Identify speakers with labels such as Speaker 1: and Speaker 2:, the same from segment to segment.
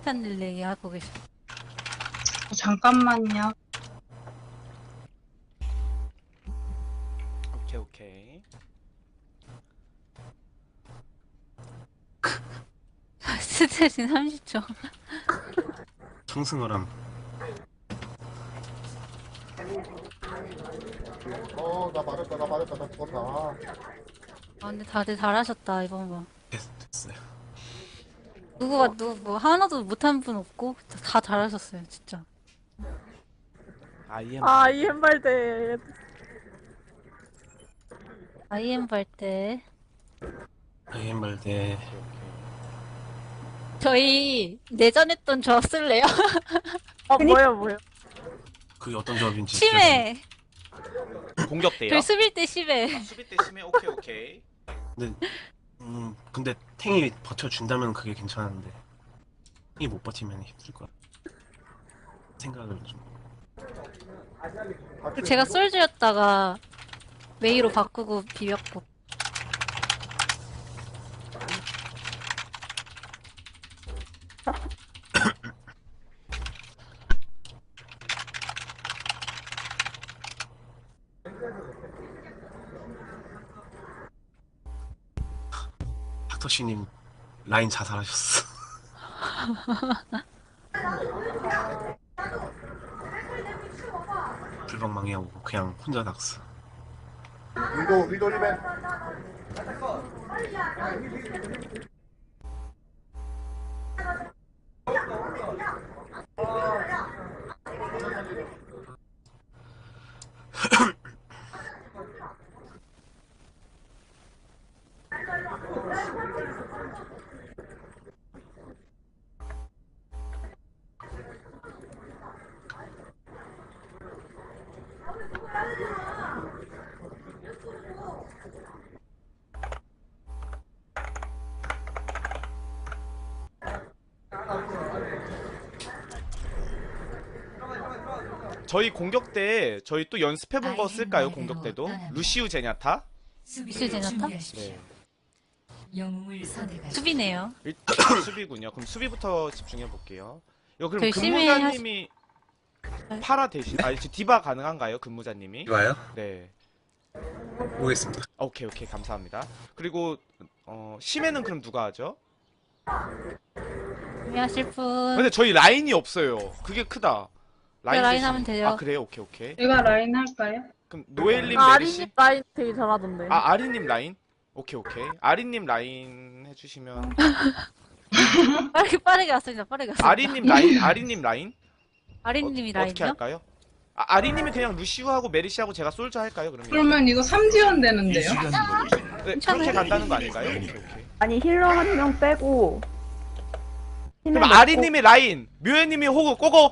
Speaker 1: 타이탄 릴레이 하고 계셔.
Speaker 2: 잠깐만요.
Speaker 3: 오케이 오케이.
Speaker 1: 스트레스 30초.
Speaker 4: 청승어람.
Speaker 5: 나 맞았다, 나 죽었다.
Speaker 1: 아 근데 다들 잘하셨다 이번 번.
Speaker 4: 됐어요.
Speaker 1: 누구 뭐 하나도 못한 분 없고 다 잘하셨어요 진짜.
Speaker 6: 이 햄발대.
Speaker 1: IM 발대.
Speaker 4: 아이엠발대.
Speaker 1: 저희 내전했던 조합 쓸래요?
Speaker 6: 뭐요?
Speaker 4: 그게 어떤 조합인지.
Speaker 1: 심해.
Speaker 3: 공격대요.
Speaker 1: 저희 수빌 때 심해.
Speaker 3: 수비 때 심해. 오케이 오케이.
Speaker 4: 근데 탱이 버텨준다면 그게 괜찮은데 탱이 못 버티면 힘들 거야. 생각을 좀.
Speaker 1: 제가 솔즈였다가 메이로 바꾸고 비볐고.
Speaker 4: 닥터씨님 라인 자살하셨어. 불방망이하고 그냥 혼자 낙스.
Speaker 5: 위도 리벤.
Speaker 3: 저희 공격 때 저희 또 연습해본 거 쓸까요? 공격 때도 루시우 제냐타.
Speaker 1: 루시우 제냐타?
Speaker 3: 네.
Speaker 7: 영웅을 선택하십시오.
Speaker 1: 수비네요.
Speaker 3: 일단 수비군요. 그럼 수비부터 집중해 볼게요. 이거 그럼
Speaker 1: 열심히
Speaker 3: 근무자님이 파라 대신 디바 가능한가요? 근무자님이?
Speaker 4: 이봐요?
Speaker 3: 네.
Speaker 4: 보겠습니다.
Speaker 3: 오케이 감사합니다. 그리고 심해는 그럼 누가 하죠?
Speaker 1: 준비하실 분.
Speaker 3: 근데 저희 라인이 없어요. 그게 크다.
Speaker 1: 라인
Speaker 3: 대신-
Speaker 1: 하면 돼요.
Speaker 3: 아 그래요? 오케이.
Speaker 2: 제가 라인 할까요?
Speaker 3: 그럼 노엘님
Speaker 6: 아리님
Speaker 3: 메리시?
Speaker 6: 라인 되게 잘하던데.
Speaker 3: 아리님 라인? 오케이. 아리님 라인 해주시면
Speaker 1: 빠르게 왔습니다. 빠르게 왔습니다.
Speaker 3: 아리님 라인?
Speaker 1: 아린님이
Speaker 3: 어떻게
Speaker 1: 라인이요?
Speaker 3: 할까요? 아리님이 그냥 루시우하고 메리시하고 제가 솔저 할까요? 그러면?
Speaker 2: 그러면 이거 3지원 되는데요?
Speaker 3: 네, 그렇게 간다는 거 아닌가요? 오케이.
Speaker 6: 아니 힐러 한 명 빼고.
Speaker 3: 그럼 아리님이 라인, 묘혜님이 호구 꼬고.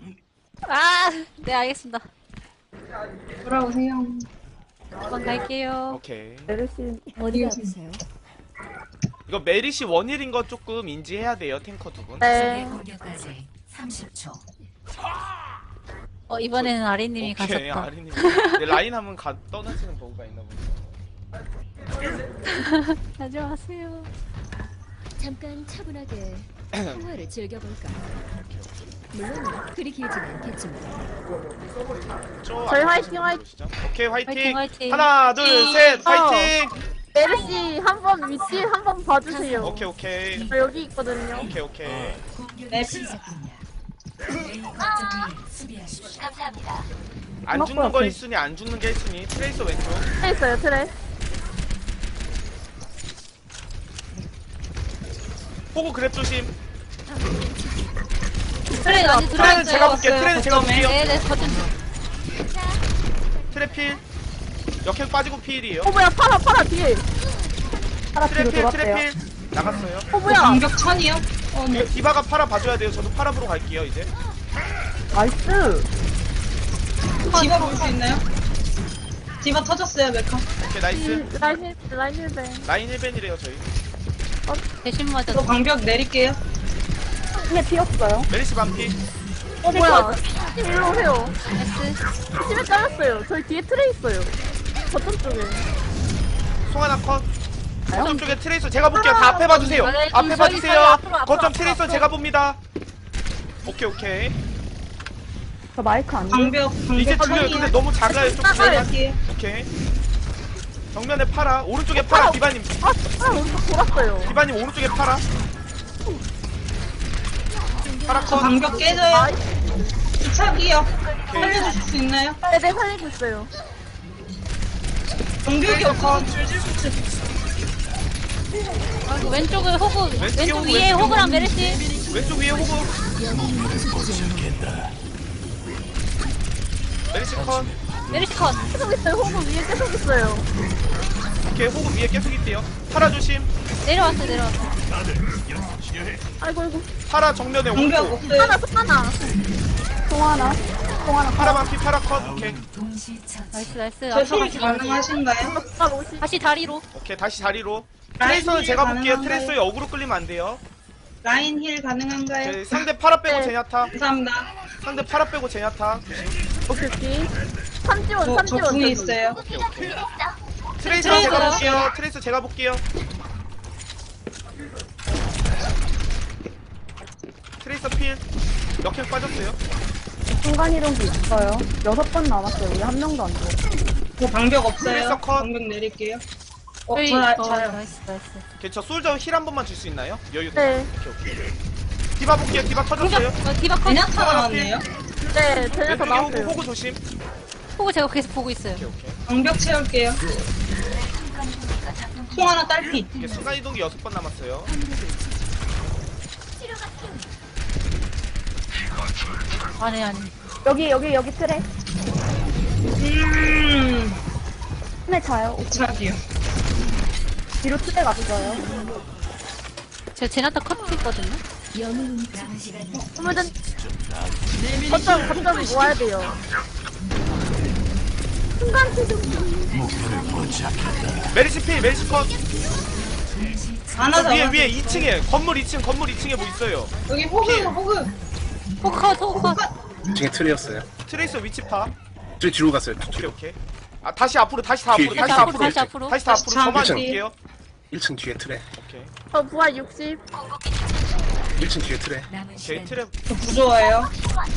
Speaker 1: 네 알겠습니다.
Speaker 2: 돌아오세요.
Speaker 1: 한번 갈게요.
Speaker 3: 오케이.
Speaker 6: 메르시
Speaker 7: 어디가 아프세요?
Speaker 3: 이거 메리시 원일인 거 조금 인지해야 돼요, 탱커 두 분.
Speaker 6: 네.
Speaker 7: 적의 공격까지 30초.
Speaker 1: 이번에는 아린님이
Speaker 3: 오케이,
Speaker 1: 가셨다.
Speaker 3: 아리님. 네, 라인 하면 떠나시는 버그가 있나 보죠.
Speaker 1: 가지 마세요.
Speaker 8: 잠깐 차분하게 통화를 즐겨볼까. 물론 그리 길진 않겠지만.
Speaker 6: 저희 화이팅,
Speaker 3: 오케이, 화이팅.
Speaker 1: 화이팅.
Speaker 3: 하나, 둘, 셋, 화이팅.
Speaker 6: 메르시 한번 위치 한번 봐주세요.
Speaker 3: 오케이.
Speaker 6: 저 여기 있거든요.
Speaker 3: 오케이.
Speaker 7: 공격이 시작됩니다. A 거점을 수비하십시오.
Speaker 3: 안 죽는 거 1순위, 안 죽는 게 1순위. 트레이서 왼쪽.
Speaker 6: 트레 있어요 트레.
Speaker 3: 호구 그랩 조심.
Speaker 1: 트레인 아직 들어왔어요.
Speaker 3: 트레는 제가 볼게요. 트레는 제가 볼게요.
Speaker 1: 네네 거점.
Speaker 3: 트레 필. 역행 빠지고 필이에요.
Speaker 6: 뭐야 파라 뒤에.
Speaker 3: 트레 필. 나갔어요.
Speaker 6: 뭐야.
Speaker 2: 공격 천이요?
Speaker 3: 이거 디바가 파라 봐줘야 돼요. 저도 파라 보러 갈게요, 이제.
Speaker 6: 나이스.
Speaker 2: 디바 볼 수 있나요? 디바 터졌어요, 메카.
Speaker 3: 오케이, 나이스.
Speaker 6: 라인 힐벤.
Speaker 3: 라인 1벤이래요, 저희.
Speaker 1: 대신 맞아.
Speaker 2: 저 방벽 내릴게요.
Speaker 6: 힘에 피었어요.
Speaker 3: 메리시 반피.
Speaker 6: 뭐야. 일로 오세요.
Speaker 1: S.
Speaker 6: 힘에 잘렸어요. 저희 뒤에 트레 있어요. 거점 쪽에.
Speaker 3: 송하나 컷. 거점 쪽에 트레이서 제가 볼게요. 다 앞에 봐주세요.
Speaker 1: 네,
Speaker 3: 앞에
Speaker 1: 저기
Speaker 3: 봐주세요.
Speaker 1: 있어요. 앞으로,
Speaker 3: 거점
Speaker 1: 앞으로,
Speaker 3: 트레이서
Speaker 1: 앞으로.
Speaker 3: 제가 봅니다. 오케이 오케이.
Speaker 6: 저 마이크 안 돼.
Speaker 2: 방벽
Speaker 3: 이제 들려요. 근데
Speaker 2: 천이야.
Speaker 3: 너무 작아요. 조금
Speaker 6: 나가요.
Speaker 3: 내려. 오케이. 정면에 팔아. 오른쪽에 팔아. 디바님.
Speaker 6: 오른쪽 돌았어요.
Speaker 3: 디바님 오른쪽에 팔아. 팔아
Speaker 2: 저
Speaker 3: 컷.
Speaker 2: 방벽 깨져요. 이차기요. 살려주실 수 있나요?
Speaker 6: 네네, 살리고 있어요.
Speaker 2: 방벽이 없어.
Speaker 1: 아이고, 왼쪽에 호구,
Speaker 3: 왼쪽에
Speaker 1: 왼쪽
Speaker 3: 호구,
Speaker 1: 위에
Speaker 3: 왼쪽에
Speaker 1: 호구랑
Speaker 3: 호구.
Speaker 1: 메르시.
Speaker 3: 왼쪽 위에 호구. 메리시 컷.
Speaker 1: 메르시 컷.
Speaker 6: 계속 있어요. 호구 위에 계속 있어요.
Speaker 3: 오케이 호구 위에 계속 있대요. 팔아 조심.
Speaker 1: 내려왔어, 내려왔어.
Speaker 6: 아이고, 아이고.
Speaker 3: 팔아 정면에
Speaker 2: 방벽
Speaker 3: 오고.
Speaker 2: 없어요.
Speaker 6: 하나. 동하나.
Speaker 3: 팔아 반피 팔아 컷. 오케이.
Speaker 7: 동시 처치.
Speaker 1: 나이스, 나이스.
Speaker 2: 저힐 가능하신가요?
Speaker 6: 아, 옷이.
Speaker 1: 다시 다리로.
Speaker 3: 오케이 다시 자리로.
Speaker 2: 라인
Speaker 3: 트레이서는
Speaker 2: 힐
Speaker 3: 제가 볼게요.
Speaker 2: 가능한가요?
Speaker 3: 트레이서에 어그로 끌리면 안 돼요.
Speaker 2: 라인 힐 가능한가요?
Speaker 3: 오케이, 상대 팔아 빼고
Speaker 6: 네.
Speaker 3: 제냐타.
Speaker 2: 감사합니다.
Speaker 3: 상대 팔아 빼고 제냐타.
Speaker 6: 오케이, 오케이. 삼지원,
Speaker 2: 저
Speaker 6: 삼지원.
Speaker 2: 궁이 있어요.
Speaker 3: 오케이 오케이. 트레이서 제가
Speaker 2: 트레이서요?
Speaker 3: 볼게요. 트레이서 제가 볼게요. 트레이서 필. 역행 빠졌어요.
Speaker 6: 순간 이동기 있어요. 6번 남았어요. 우리 한 명도 안 돼.
Speaker 2: 저 방벽 없어요.
Speaker 3: 트레이서 컷.
Speaker 2: 방벽 내릴게요.
Speaker 1: 저희,
Speaker 2: 저요.
Speaker 1: 나이스, 나이스.
Speaker 3: 오케이 저 솔저 힐 한 번만 줄 수 있나요? 여유 돼.
Speaker 6: 네.
Speaker 3: 오케이 오케이. 디바 볼게요. 디바 터졌어요.
Speaker 1: 공격, 디바 컷.
Speaker 2: 그냥 나왔네요.
Speaker 6: 네, 쟤네서
Speaker 3: 왼쪽에 호구
Speaker 6: 나왔어요.
Speaker 3: 호구 조심.
Speaker 1: 호구 제가 계속 보고 있어요.
Speaker 3: 오케이 오케이.
Speaker 2: 방벽 채울게요. 통 하나 딸피.
Speaker 3: 이게 순간 이동기 6번 남았어요.
Speaker 1: 아니, 아니.
Speaker 6: 여기 트랙. 트랙 자요.
Speaker 2: 차기요.
Speaker 6: 뒤로 트랙 앞서요.
Speaker 1: 제가 제나타 컷 했거든요.
Speaker 7: 남은 시간
Speaker 6: 후무든 거점 모아야 돼요. 순간 이동.
Speaker 3: 메리시 필 메리시 컷.
Speaker 2: 하나
Speaker 3: 위에
Speaker 2: 잡아.
Speaker 3: 위에 2층에 건물 2층에 뭐 있어요.
Speaker 2: 여기 호그.
Speaker 1: 호구 컷, 호구 컷.
Speaker 4: 중에 틀이었어요.
Speaker 3: 트레이서 위치 파.
Speaker 4: 저 뒤로 갔어요.
Speaker 3: 오케이
Speaker 4: 뒤로.
Speaker 3: 오케이. 아 다시 앞으로 다시 다 앞으로
Speaker 4: 뒤에,
Speaker 3: 다시
Speaker 1: 다시
Speaker 3: 다
Speaker 1: 앞으로,
Speaker 3: 앞으로
Speaker 1: 다시 앞으로.
Speaker 3: 다시 다 앞으로 저만
Speaker 2: 다시
Speaker 3: 줄게요.
Speaker 4: 1층 뒤에 틀에.
Speaker 3: 오케이.
Speaker 6: 저 부하 60.
Speaker 4: 1층 뒤에 틀에.
Speaker 7: 남은
Speaker 3: 오케이
Speaker 7: 시간
Speaker 3: 트랩.
Speaker 2: 저 부조화예요.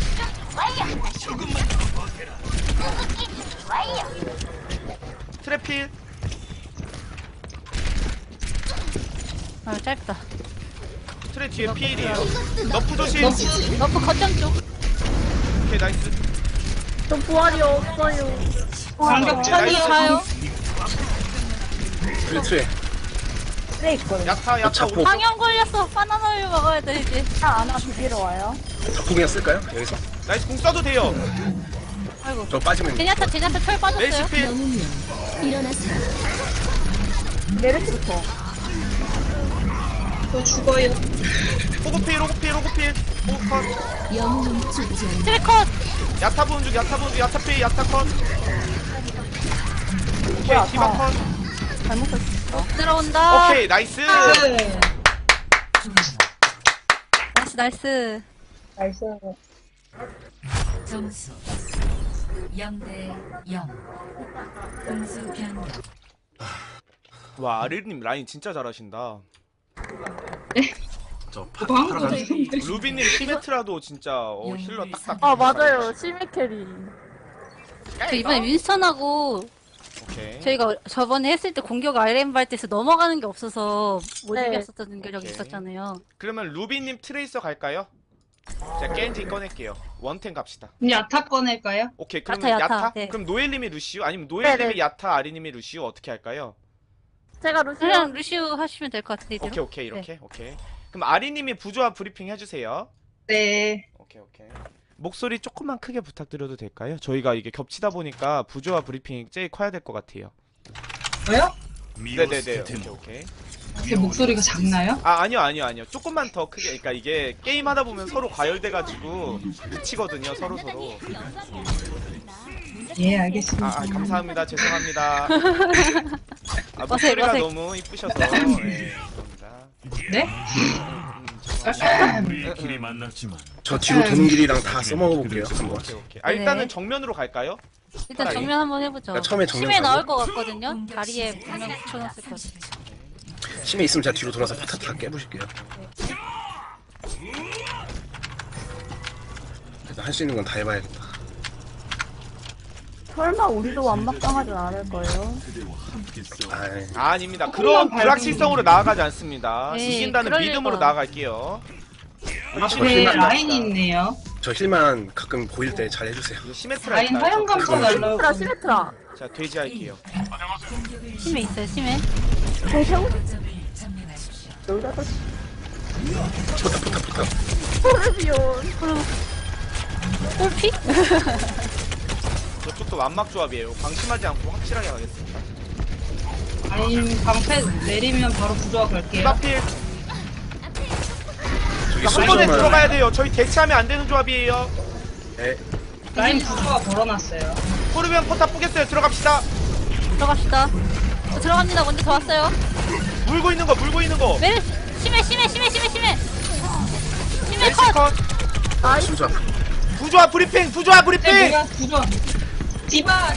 Speaker 3: 트랩 필.
Speaker 1: 아, 짧다.
Speaker 3: 트랩 뒤에 필이에요. 너프 조심.
Speaker 2: 너프.
Speaker 1: 너프 거점 쪽.
Speaker 3: 오케이 나이스.
Speaker 6: 저 부활이 없어요.
Speaker 2: 방벽 천이요.
Speaker 1: 가요.
Speaker 4: 틀에 틀에.
Speaker 6: 트랙 있거든요.
Speaker 3: 야타 야타
Speaker 4: 자폭.
Speaker 3: 오른.
Speaker 1: 방영 걸렸어. 바나나를 먹어야 돼, 이제.
Speaker 6: 아나 비비러 와요.
Speaker 4: 자꾸 그냥 쓸까요? 여기서?
Speaker 3: 나이스 공 써도 돼요.
Speaker 1: 아이고.
Speaker 4: 저 빠지면
Speaker 1: 제냐타 철
Speaker 3: 메리시
Speaker 1: 빠졌어요.
Speaker 3: 필.
Speaker 8: 영웅이여 일어나세요.
Speaker 6: 메르시부터.
Speaker 2: 저 죽어요.
Speaker 3: 호구 필 호구 필 호구 필. 호구 컷.
Speaker 8: 영웅은 죽지 않아.
Speaker 1: 트랙 컷.
Speaker 3: 야타 보는 중 야타 보는 중 야타 필 야타 컷. 오케이 디바 컷.
Speaker 6: 잘못했어.
Speaker 1: 들어온다.
Speaker 3: 오케이 나이스.
Speaker 2: 네.
Speaker 1: 나이스, 나이스.
Speaker 2: 나이스.
Speaker 7: 점수 0대 0. 공수 변경.
Speaker 3: 와 아르님 라인 진짜 잘하신다.
Speaker 4: 저
Speaker 2: 방금
Speaker 4: 파라
Speaker 3: 루비님 시메트라도 진짜 힐러 딱딱.
Speaker 6: 아, 맞아요. 심해 캐리.
Speaker 1: 저 이번에 윈스턴하고
Speaker 3: 오케이.
Speaker 1: 저희가 저번에 했을 때 공격 RM 발대에서 넘어가는 게 없어서 못
Speaker 6: 네.
Speaker 1: 이겼었던 적이
Speaker 3: 오케이.
Speaker 1: 있었잖아요.
Speaker 3: 그러면 루비님 트레이서 갈까요? 제가 겐지 꺼낼게요. 원텐 갑시다.
Speaker 2: 야타 꺼낼까요?
Speaker 3: 오케이 그러면
Speaker 1: 야타,
Speaker 3: 야타?
Speaker 1: 네.
Speaker 3: 그럼 노엘님이 루시우? 아니면 노엘님이
Speaker 6: 네네.
Speaker 3: 야타 아리님이 루시우 어떻게 할까요?
Speaker 6: 제가 루시오.
Speaker 1: 그냥 루시우 하시면 될 것 같은데 이대로.
Speaker 3: 오케이 오케이 이렇게 오케이. 그럼 아리님이 부조화 브리핑 해주세요.
Speaker 2: 네.
Speaker 3: 오케이 오케이. 목소리 조금만 크게 부탁드려도 될까요? 저희가 이게 겹치다 보니까 부조화 브리핑이 제일 커야 될 것 같아요.
Speaker 2: 왜요?
Speaker 3: 네네네. 오케이 오케이.
Speaker 2: 제 목소리가 작나요?
Speaker 3: 아 아니요. 조금만 더 크게. 그러니까 이게 게임 하다 보면 서로 과열돼가지고 묻히거든요 서로.
Speaker 2: 예, 알겠습니다.
Speaker 3: 아 감사합니다. 죄송합니다. 아,
Speaker 1: 어색,
Speaker 3: 목소리가
Speaker 1: 어색.
Speaker 3: 너무 이쁘셔서. 네, 감사합니다.
Speaker 2: 네?
Speaker 9: 우리끼리 만났지만
Speaker 4: 저 뒤로 도는 길이랑 다 써먹어 볼게요. 한번.
Speaker 3: 오케이. 아 일단은
Speaker 1: 네.
Speaker 3: 정면으로 갈까요?
Speaker 1: 일단
Speaker 3: 차라리.
Speaker 1: 정면 한번 해보죠.
Speaker 4: 그러니까 처음에 정면
Speaker 1: 심해
Speaker 4: 가고.
Speaker 1: 나올 것 같거든요. 다리에 분명 붙여놨을 것 같아요.
Speaker 4: 심해 있으면 제가 뒤로 돌아서 파타타 깨부실게요. 할 수 있는 건 다 해봐야겠다.
Speaker 6: 설마 우리도 완막당하진 않을 거예요?
Speaker 4: 아이,
Speaker 3: 아닙니다. 그런 불확실성으로 나아가지 않습니다.
Speaker 1: 에이,
Speaker 3: 이긴다는
Speaker 1: 그럴
Speaker 3: 믿음으로
Speaker 1: 리가.
Speaker 3: 나아갈게요.
Speaker 2: 앞에 라인이 있네요.
Speaker 4: 저 힐만 가끔 보일 때 잘 해주세요.
Speaker 3: 이거 시메트라
Speaker 2: 라인
Speaker 3: 있나요?
Speaker 2: 화염 감소 날라오고.
Speaker 6: 시메트라 시메트라.
Speaker 3: 자, 돼지 할게요.
Speaker 1: 심해 있어요, 심해.
Speaker 6: 대형
Speaker 7: 거점을 점령하십시오.
Speaker 6: 놀다 또
Speaker 4: 포탑.
Speaker 6: 소르비온.
Speaker 1: 꼴피?
Speaker 3: 저쪽도 완막 조합이에요. 방심하지 않고 확실하게 가겠습니다.
Speaker 2: 라인 방패 내리면 바로 부조화 갈게요.
Speaker 3: 디바필
Speaker 4: 저기
Speaker 3: 한 번에
Speaker 4: 솔저만.
Speaker 3: 들어가야 돼요. 저희 대치하면 안 되는 조합이에요.
Speaker 4: 네.
Speaker 2: 라인 부조화 걸어놨어요.
Speaker 3: 토르비언 포탑 뿌겠어요. 들어갑시다.
Speaker 1: 들어갑시다. 저 들어갑니다. 먼저 더 왔어요.
Speaker 3: 물고 있는 거.
Speaker 1: 메르, 심해. 심해
Speaker 3: 멜시
Speaker 1: 컷.
Speaker 3: 컷.
Speaker 4: 솔저.
Speaker 3: 부조화 브리핑.
Speaker 2: 네, 뭐야 부조화. 디바.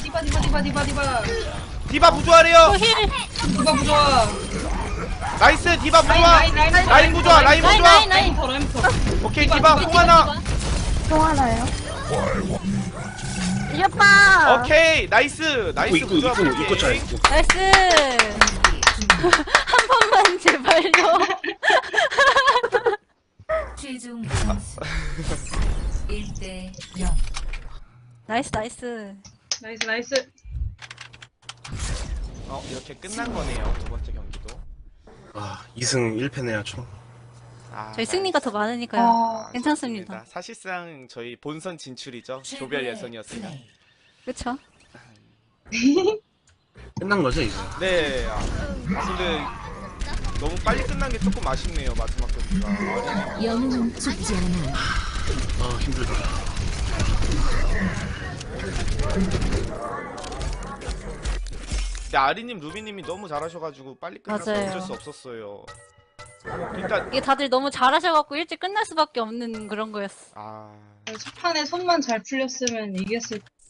Speaker 3: 디바 부조화래요.
Speaker 1: 또 힐.
Speaker 2: 디바 부조화.
Speaker 3: 나이스. 디바 부조화. 라인 부조화. 라인 부조화.
Speaker 1: 라인.
Speaker 2: 라인터.
Speaker 3: 오케이 디바 공 하나.
Speaker 6: 통 하나요? 이겼다.
Speaker 3: 오케이 나이스. 나이스 부조화
Speaker 4: 입고 차
Speaker 3: 브리핑.
Speaker 4: 입고.
Speaker 1: 나이스. 한 번만 제발요.
Speaker 7: 최종 점수 1대 0.
Speaker 1: 나이스.
Speaker 2: 나이스.
Speaker 3: 이렇게 끝난 거네요. 두 번째 경기도.
Speaker 4: 아 2승 1패네요 총.
Speaker 3: 아,
Speaker 1: 저희 승리가 더 많으니까요.
Speaker 2: 아,
Speaker 1: 괜찮습니다.
Speaker 3: 사실상 저희 본선 진출이죠. 조별 예선이었으면.
Speaker 1: 그쵸?
Speaker 4: 끝난 거죠 이제.
Speaker 3: 네. 근데 너무 빨리 끝난 게 조금 아쉽네요. 마지막 경기가.
Speaker 8: 영웅은 죽지 않아.
Speaker 4: 아 힘들다.
Speaker 3: 근데 아리님, 루비님이 너무 잘하셔가지고 빨리 끝나서
Speaker 1: 맞아요.
Speaker 3: 어쩔 수 없었어요. 일단
Speaker 1: 이게 다들 너무 잘하셔갖고 일찍 끝날 수밖에 없는 그런 거였어.
Speaker 3: 아
Speaker 2: 첫 판에 손만 잘 풀렸으면 이겼을